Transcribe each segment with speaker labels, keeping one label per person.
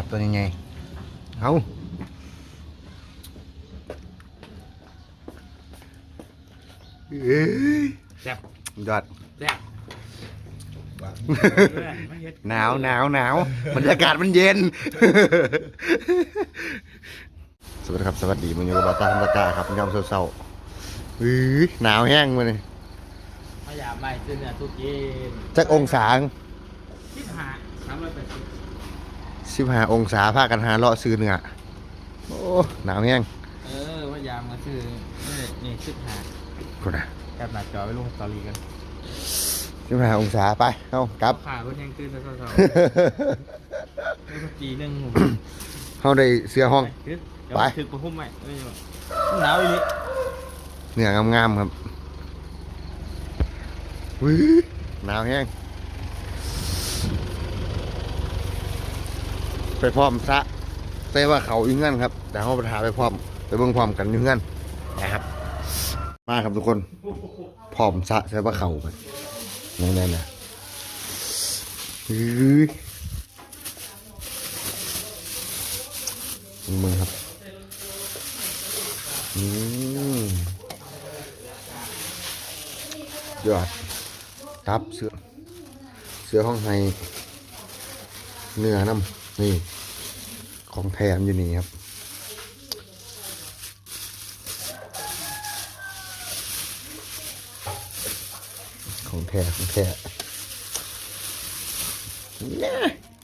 Speaker 1: ครับตัวยังไงเอา
Speaker 2: แซ่บ
Speaker 1: ยอด
Speaker 2: แซ่บ
Speaker 1: หนาวบรรยากาศมันเย็น สวัสดีครับสวัสดีมันอยู่กับบาตาธรรมกาครับยามเศร้าๆหนาวแห้งมาเลย
Speaker 2: พยายามไม่ซื้อเนื้อทุกกิน
Speaker 1: จักองศา
Speaker 2: 15 380
Speaker 1: 15 องศาพากันหาเลาะซื้อเนื้อโอ้หนาวแห้ง
Speaker 2: พยายามมาซื้อนี่15
Speaker 1: คนน่ะ
Speaker 2: แคปหน้าจอไปลงสตอรี่กัน
Speaker 1: 15 องศาไปเอากลับ
Speaker 2: ขาก็ยังตื่นแล้วเศร้าๆไม่ก็ปีนึง
Speaker 1: เขาได้เสื้อห้อง ไป
Speaker 2: ถึกประพุ่มไหมหนาวอีนี่
Speaker 1: เนื้องามๆครับหนาวแห้งไปพร้อมซะใส่ว่าเขาอยู่เงื่อนครับแต่เขาไปหาไปพร้อมไปเบิ่งพร้อมกันอยู่เงื่อนนะครับมาครับทุกคนพร้อมซะใส่ว่าเขาไปนั่นๆนะมึงครับยอดตับเสือห้องไฮเนื้อน้ำนี่ของแถมอยู่นี่ครับของแท้เนี่ย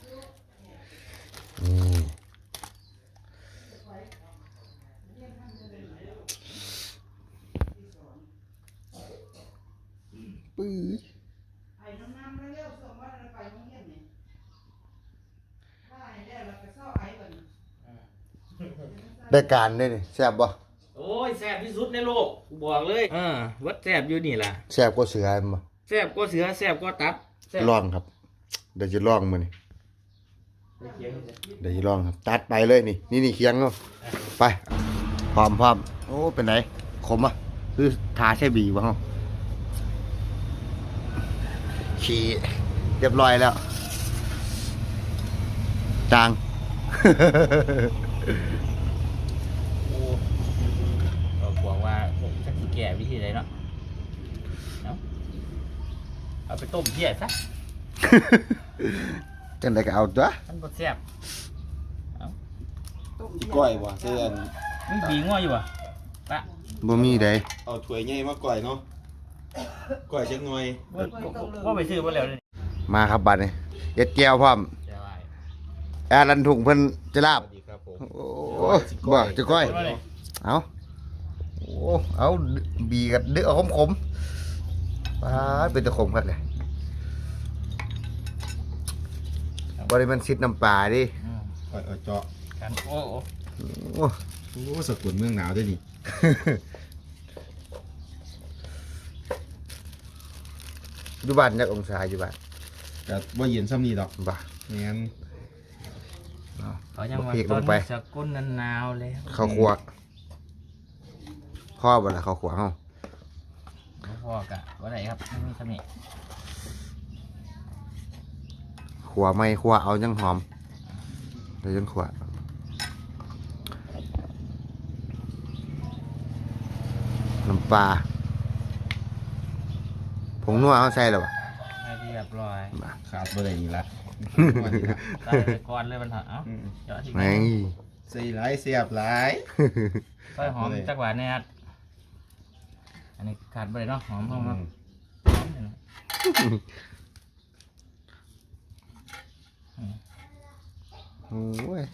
Speaker 1: ปื้อได้การได้นี่แซ่บบ่
Speaker 2: โอ้ยแซ่บที่สุดในโลกบอกเลยวัดแซ่บอยู่นี่ล่ะ
Speaker 1: แซ่บกว่าเสือบ่
Speaker 2: แซ่บก็เสือแซ่บก็ตับแซ่บ
Speaker 1: ลองครับเดี๋ยวจะลองมื้อนี้เดี๋ยวจะลองครับตัดไปเลยนี่เคียงเนาะไปพร้อมโอ้เป็นไหนขมอ่ะคือทาใช่บีบ่เฮาขี่เรียบร้อยแล้วจาง
Speaker 2: เราบอกว่าจะแก่วิธีไหนเนาะเอาไปต้มเพี้ยซะ
Speaker 1: จังไดก็เอาตัว
Speaker 2: มันบ่แซ่บ
Speaker 3: ก้อยบ่เตือน
Speaker 2: มีบีงัวอยู่อ่ะปะ
Speaker 1: บ่มีใด
Speaker 3: เอาถ้วยใหญ่มาก้อยเนาะก้อยจักหน่อย
Speaker 2: ว่าไปซื้อมาแล้วนี่
Speaker 1: มาครับบัดนี้เอ็ดแก้วพร้อม
Speaker 2: จะว่า
Speaker 1: แอร์ลันถุงเพิ่นจะลา
Speaker 3: ส
Speaker 1: บ
Speaker 3: วัสดีครับผม
Speaker 1: โอ้บ่จะก้อยเอาโอ้เอาบีกับเดือดขมๆป้าดเป็นตะขมกันเลยบ่ได้มันซิดน้ำปลาดิ
Speaker 3: ก้อยเจาะ
Speaker 2: กันโอ้
Speaker 1: โอ้
Speaker 3: โอ้สกุลเมืองหนาวด้วยนี่
Speaker 1: อยู่บ้านจักองศาอยู่บ้าน
Speaker 3: แต่ว่าเย็นซ้ำนี่ดอก
Speaker 1: บ่
Speaker 3: งั้น
Speaker 2: เขายังว่า
Speaker 1: พริก
Speaker 2: ต้
Speaker 1: ล
Speaker 2: น
Speaker 1: งไป
Speaker 2: สกุลนันนาวแล้ว
Speaker 1: ข้าวคั่วพ่อบ่ล่ะข้าวคั่วเฮา
Speaker 2: พอกะว่าไรครับไม่มีสมิ
Speaker 1: คั่วไม่คั่วเอาจังหอมเดี๋ยวจังคั่วน้ำปลาผงนัวเขาใส่หรอวะ
Speaker 2: ให้เรียบร้อย
Speaker 3: ขาดบ่ได้นี่ละ
Speaker 2: ใส่ไปก่อนเลยมันเถอะเอ้าเจาะที่
Speaker 1: แม่ง
Speaker 3: ใส่หลายเสียบหลาย
Speaker 2: ซอยหอมจักหวานเนี่ยอันนี้ขาดไปเลยเนาะหอมเข้ามา
Speaker 1: โอ้ย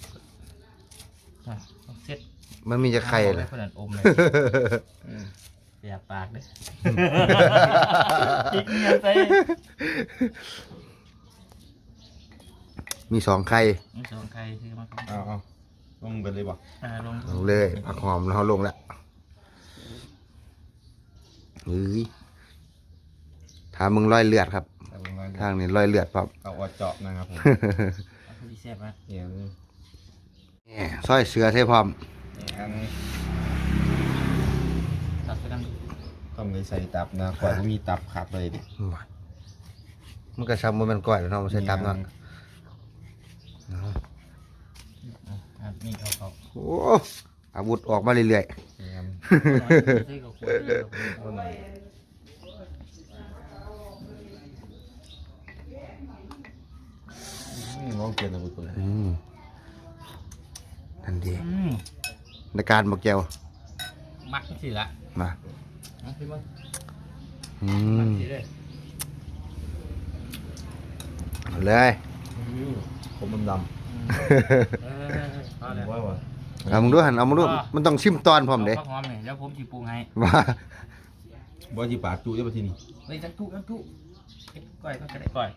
Speaker 2: เสร็จ
Speaker 1: มันมีจะไข่เลย
Speaker 2: เพื่อนอมเลยเสียปากเลยจิกเงียบใส่
Speaker 1: มี2 ไข่
Speaker 2: มีสองไข่คือมา
Speaker 3: เอาลงไปเลยบ่
Speaker 2: ลง
Speaker 1: ลงเลยผักหอมแล้วเขาลงแล้วเฮ้ยถามมึงร้อยเลือดครับ
Speaker 3: เอาลงมา
Speaker 1: ทางนี้ร้อยเลือดปั๊บ
Speaker 3: เอาเจาะนะครับผม
Speaker 2: ดีแซ่บมาก
Speaker 3: เดี๋ยว
Speaker 1: นี่ซอยเสือใส่พร้อม
Speaker 3: อัน
Speaker 2: ตัดไปนั่ง
Speaker 3: ต้องเลยใส่ตับนะก้อยบ่มีตับขาดเลยดิ
Speaker 1: มันก็ซ้ำมันก้อยแล้วเนาะมันใส่ตับเนาะโอ้อาวุธออกมาเรื่อย
Speaker 3: แม่น
Speaker 2: ใส่กับขวดเดียว
Speaker 3: เอาหน่อยลองเปลี่ยนอาวุธตัวนี้
Speaker 1: นั่นดี
Speaker 2: อืม
Speaker 1: ในการบอกแก้ว
Speaker 2: มักสิละ
Speaker 1: มา
Speaker 2: เอาพี่มึง
Speaker 1: อื
Speaker 2: มัก
Speaker 1: ม
Speaker 2: สิเลย
Speaker 1: เอาเลย
Speaker 3: ผมดำ
Speaker 2: เอา
Speaker 3: ๆ
Speaker 2: เลย
Speaker 3: ว่าว่า
Speaker 1: เอามึงดูหันเอามึงดูมันต้องชิมตอนพร้อมเด้
Speaker 2: าผักหอมนี่เดี๋ยวผมสิปรุงให้
Speaker 1: ว่า
Speaker 3: บ่สิปากจูได้ป่ะที่นี่
Speaker 2: เฮ้ยจักทุก้อยก็ได้ก้อย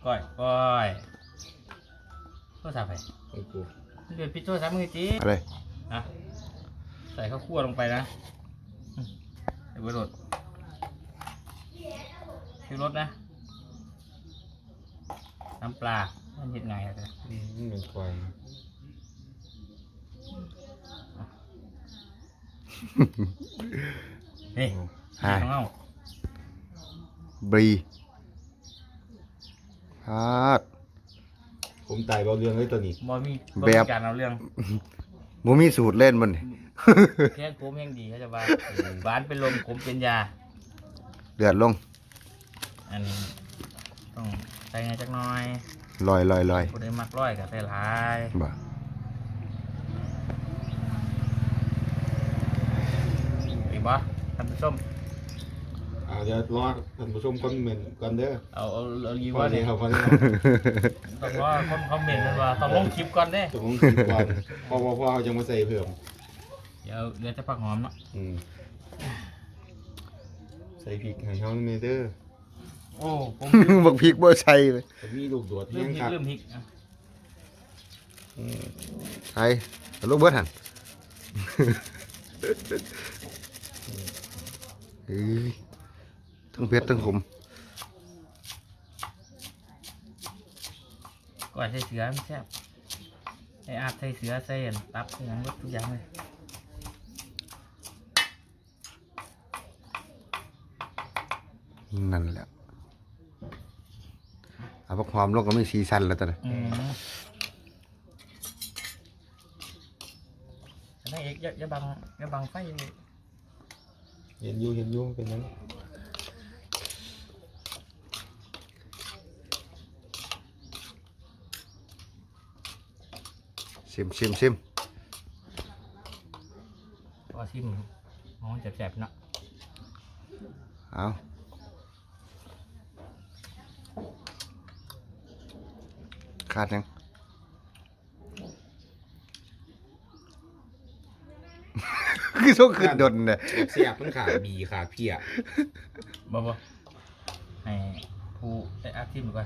Speaker 2: โทรศัพท์ไป
Speaker 3: โอ้โห
Speaker 2: เดี๋ยวปิดโทรศัพท์มึงจี
Speaker 1: อะไร
Speaker 2: นะใส่ข้าวคั่วลงไปนะเดี๋ยวไปโหลดซื้อรสนะน้ำปลามันเห็ดไงอะเธอ
Speaker 3: นี่เป็นควาย
Speaker 2: เฮ้ย
Speaker 1: ฮะ
Speaker 2: น้องเอา
Speaker 1: บรีฮาด
Speaker 3: ผมตายเบาเรื่องเลยตัวนี้
Speaker 2: บอมี
Speaker 1: แบบ
Speaker 2: การเอาเรื่อง
Speaker 1: บ่มีสูตรเล่นมันนี่
Speaker 2: แค่ผมยังดีเขาจะว่าหวานเป็นลมขมเป็นยา
Speaker 1: เดือดลง
Speaker 2: อันนี้ต้องใส่ไงจักหน่อย
Speaker 1: ลอย
Speaker 2: ผู้ใดมักร้อยกับใส่หลาย
Speaker 1: บ่
Speaker 2: อีกบ่ท่านผู้ชม
Speaker 3: เดี๋ยวรอท่านผู้ชมคอมเมนต์ก่อนเด้อ
Speaker 2: เอายี
Speaker 3: พอ
Speaker 2: ว่า
Speaker 3: ดี
Speaker 2: เนี่ย
Speaker 3: ครับพอดี
Speaker 2: ต้องรอคนคอมเมนต์กันว่าต้องลงคลิปก่อนเด้
Speaker 3: ตรงนี้ก่อนพอเขาจะมาใส่เพิ่ม
Speaker 2: เดี๋ยวจะผักหอมเนาะ
Speaker 3: ใส่พริกให้เฮาเมเด้อ
Speaker 2: โอ้ผม
Speaker 1: บักพริกบ่ใส่เลย
Speaker 3: จะมีลูกโดด
Speaker 2: เริ่
Speaker 3: เฮีย
Speaker 2: ม
Speaker 3: ง
Speaker 2: พริ
Speaker 3: ค
Speaker 2: ก
Speaker 3: รับ
Speaker 2: เริ่มพริกอ่ะ
Speaker 1: ใส่เอาลูกเบิดหั่นเอ้ยทั้งเผ็ดทั้งขม
Speaker 2: ก่อนใส่เสือมันแซ่บไอ้อาบใส่เสือใส่อันตับใส่หยังหมดทุกอย่างเลย
Speaker 1: นั่นแหละเอาพวกความลงก็มีสีสันแล้วตอนนี้
Speaker 2: นั่นเอกอย่าบังไฟเลย
Speaker 3: เห็นอยู่เป็นยัง
Speaker 1: ชิม
Speaker 2: พอชิมมองแสบๆเนาะ
Speaker 1: เอาขาดยัง คือโชคขึ้นดนเนี่ย
Speaker 3: เสียบมันขาดบีขาดเพีย
Speaker 2: บ่ให้ผู้ได้อาชิมดูก่อน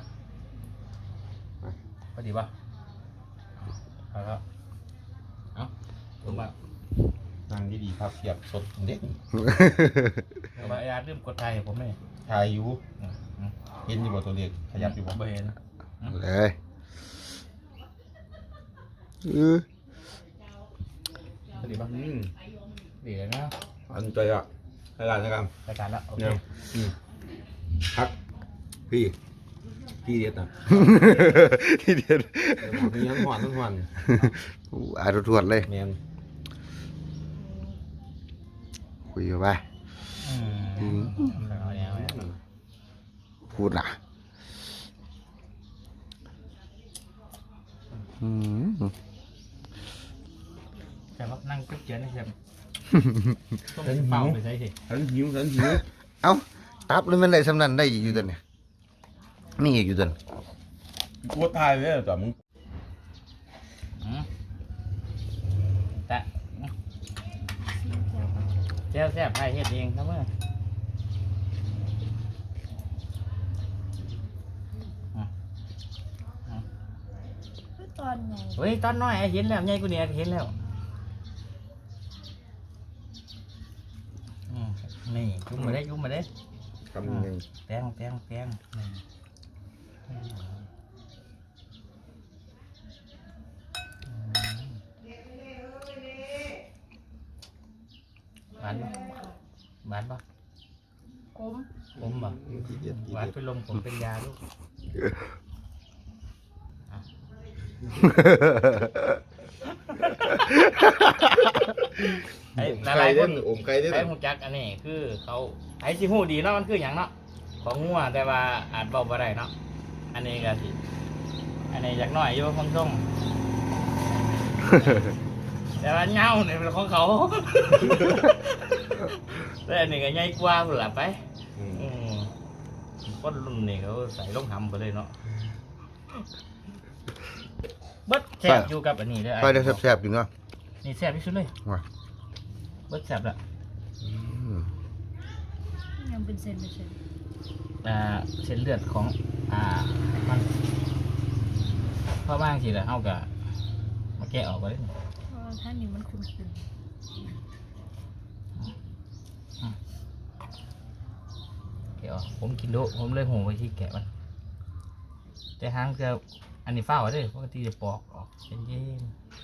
Speaker 2: พอดีป่ะเอาแล้วเอาผมว่า
Speaker 3: นั่งดีๆครับเสียบสดเด็ด
Speaker 2: เอาว่าไอ้อาเริ่มกดไทยให้ผมเลย
Speaker 3: ทายอยู่
Speaker 2: อืม
Speaker 3: เห็นอยู่บ่ตัวเลขขยับอยู่บ่
Speaker 2: บ่เห็น
Speaker 1: เลย
Speaker 2: พอดีป่ะดีเลยนะ
Speaker 3: อันใจอ่ะให้ร้านนะครับ
Speaker 2: รายการแล้วโอเค
Speaker 3: เนี่ยพักพี่เด็ดนะ
Speaker 1: ที่เดียว
Speaker 3: มีทั้งหวานทั้งหวาน
Speaker 1: อ่านทวดเลย
Speaker 3: แมน
Speaker 1: คุยกันไป
Speaker 2: เอาแล้ว
Speaker 1: พูดนะอืม
Speaker 2: แต่ว่านั่งกุ๊กเจียนนี่ใช่ไหมต้องเป่าไปใส่สิ
Speaker 3: ฉันหิว
Speaker 1: เอ้าตับเลยมันได้สำนันได้อีกอยู่ตัวเนี่ยนี่อีกอยู่ตัวเนี่ย
Speaker 3: กูทายไว้แต่มึง
Speaker 2: แต่เจ้าแซ่บไทยเฮ็ดเองนะเมื่อ
Speaker 4: ตอนไหน
Speaker 2: เฮ้ยตอนน้อยไอ้เห็นแล้วใหญ่กูเนี่ยเห็นแล้วนี่จุ่มมาได้
Speaker 3: คำหนึ่ง
Speaker 2: แป้งหวานปะ
Speaker 4: ผม
Speaker 2: ผมปะหวานเป็นลมผมเป็นยาลูกไอ้ห
Speaker 3: ไข่
Speaker 2: ลายๆค
Speaker 3: เด้
Speaker 2: น
Speaker 3: อมไข่เด้อ
Speaker 2: ไอ้หูจักอันนี้คือเขาไอ้สิหูดีเนาะมันคืออย่างเนาะของงัวแต่ว่าอาจเบาบ่ได้เนาะอันนี้ก็สิอันนี้อยากน้อยอยู่ฟังส่งแต่ว่าเงาเนี่ยเป็นของเขา แต่อันนี้ก็ใหญ่กว่าพุ่นล่ะไปคนรุ่นนี้เขาใส่ลงหำไปเลยเนาะเบิดแซ่บอยู่กับอันนี้เลย
Speaker 1: ไปได้แซ่บๆอยู่เนาะ
Speaker 2: นี่แซ่บที่สุดเลย
Speaker 1: ว่ะ
Speaker 2: เบิดแซ่บละ
Speaker 4: ยังเป็นเซนเป็นเซน
Speaker 2: เส้นเลือดของมันเพราะบางทีแล้วเอากับมาแกะออกไปเลย
Speaker 4: เพราะว่าท่านนี้มันคุ้น
Speaker 2: แกะออกผมกินโดผมเลยหูไปที่แกะมันแต่หางจะอันนี้เฝ้าไว้เลยปกติจะปอกออกเย็น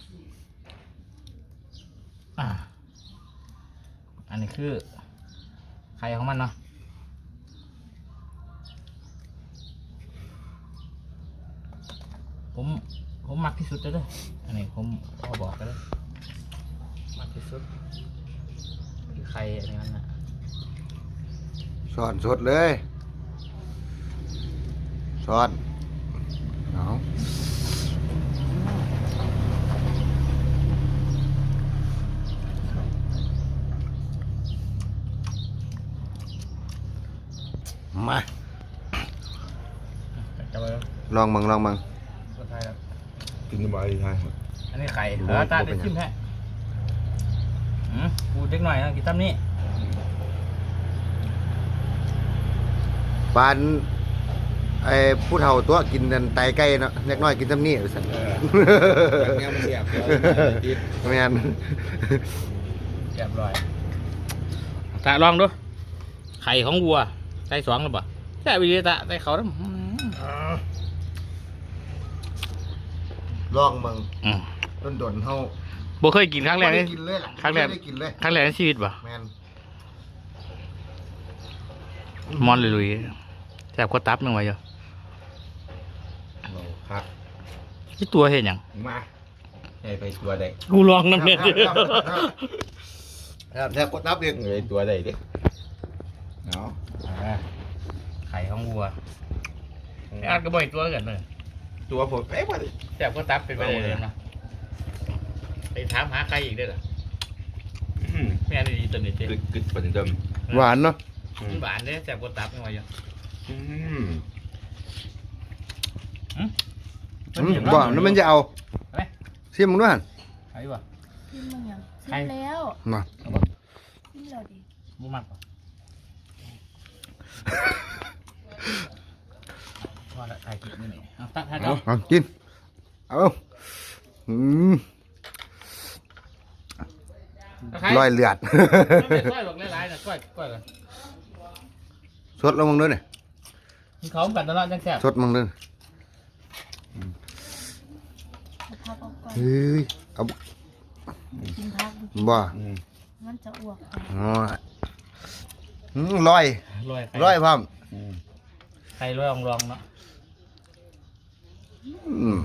Speaker 2: ๆอันนี้คือไข่ของมันเนาะผมมักที่สุดเลยเด้ออันนี้ผมพอบอกกันเลยมักที่สุดคือไข่อันนี้มันนะ
Speaker 1: ช้อนสดเลยช้อนเอามา
Speaker 2: จะไป
Speaker 1: ลองมึง
Speaker 2: คนไทยครับ
Speaker 3: กินสบายใช่
Speaker 2: อันนี้ไข่
Speaker 1: ดู
Speaker 2: ตา
Speaker 1: ดู
Speaker 2: ได้
Speaker 1: เป็น
Speaker 2: ชิม
Speaker 1: ไง
Speaker 2: แท้พูดเล็กหน่อยนะกินตั้มนี้
Speaker 1: ปานไอ้ผู้เฒ่าตัวกินนั่นไตไก่เนาะเล็กน้อยกินซ้ำนี่สั่น
Speaker 3: แบบนี้มันเสียบติด
Speaker 1: แม่น
Speaker 2: เรียบร้อยตาลองดูไข่ของวัวใส่สองหรือเปล่าใช่วิธีตาใส่เขาแล้ว
Speaker 1: ลองมึงดนเฮา
Speaker 2: บ่เคยกินครั้งแรก
Speaker 1: บ่
Speaker 2: นี่
Speaker 1: ได้กินเลยล่ะ
Speaker 2: ครั้งแรก
Speaker 1: บ่ได้กินเลย
Speaker 2: ครั้งแรกในชีวิตป่ะ
Speaker 1: แม่น
Speaker 2: มอนลุยๆแซ่บกว่าตับนึงไว้เยอะ
Speaker 3: ครับ
Speaker 2: ที่ตัวเห็นยัง
Speaker 3: มาให้ไปตัวใด
Speaker 2: กูลองน้ำเนี่ย
Speaker 1: ครับแทบกดนับเอง
Speaker 3: ไปตัวใดดิเนาะ
Speaker 2: ไข่ของวัวไอ้อาร์ตก็บ่อยตัวกันเลย
Speaker 3: ตัวผมเอ๊ะว่า
Speaker 2: แซ่บกว่าตับเป็นไปได้เลยนะไปถามหาใครอีกได้หรอแม่นี่ดีตัวนี้เจ๊
Speaker 3: กึดเป็นเดิม
Speaker 1: หวานเนาะ
Speaker 2: มันหวานเนี่ยแซ่บกว่าตับยังไงยัง
Speaker 1: บ่แล้วมันจะเอา
Speaker 2: ไหม
Speaker 1: ซิมมึงด้วยหั่น
Speaker 2: ไอ้บ่
Speaker 4: ๆที่มึงยังชิมแล้ว
Speaker 1: มา
Speaker 4: ชิมแล้วดิ
Speaker 2: บ่มักป่ะพอละถ่ายคลิปนี่เอาตัดถ่ายเอา
Speaker 1: เอากินเอาอืมลอยเลือด
Speaker 2: ก้อยหลอกหลายๆนะก้อยกัน
Speaker 1: สดลงมึงด้วยเนี่ย
Speaker 2: มีเขากันตลอดจังแซ่บ
Speaker 1: สดมึงด้วย
Speaker 4: เอาพักออกก่อน
Speaker 1: เฮ้ยเอา
Speaker 4: กินพัก
Speaker 1: บ่
Speaker 4: มันจะอ้วกไป
Speaker 1: อ๋อลอย
Speaker 2: ลอย
Speaker 1: ลอยพร้อม
Speaker 2: ไข่ลอยลองเนาะ
Speaker 1: อืม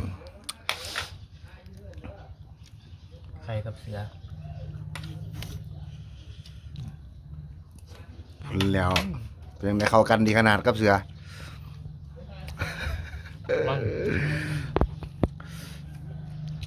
Speaker 2: ไข่กับเสือ
Speaker 1: แล้วเป็นไงเข้ากันดีขนาดกับเสือ
Speaker 2: มัน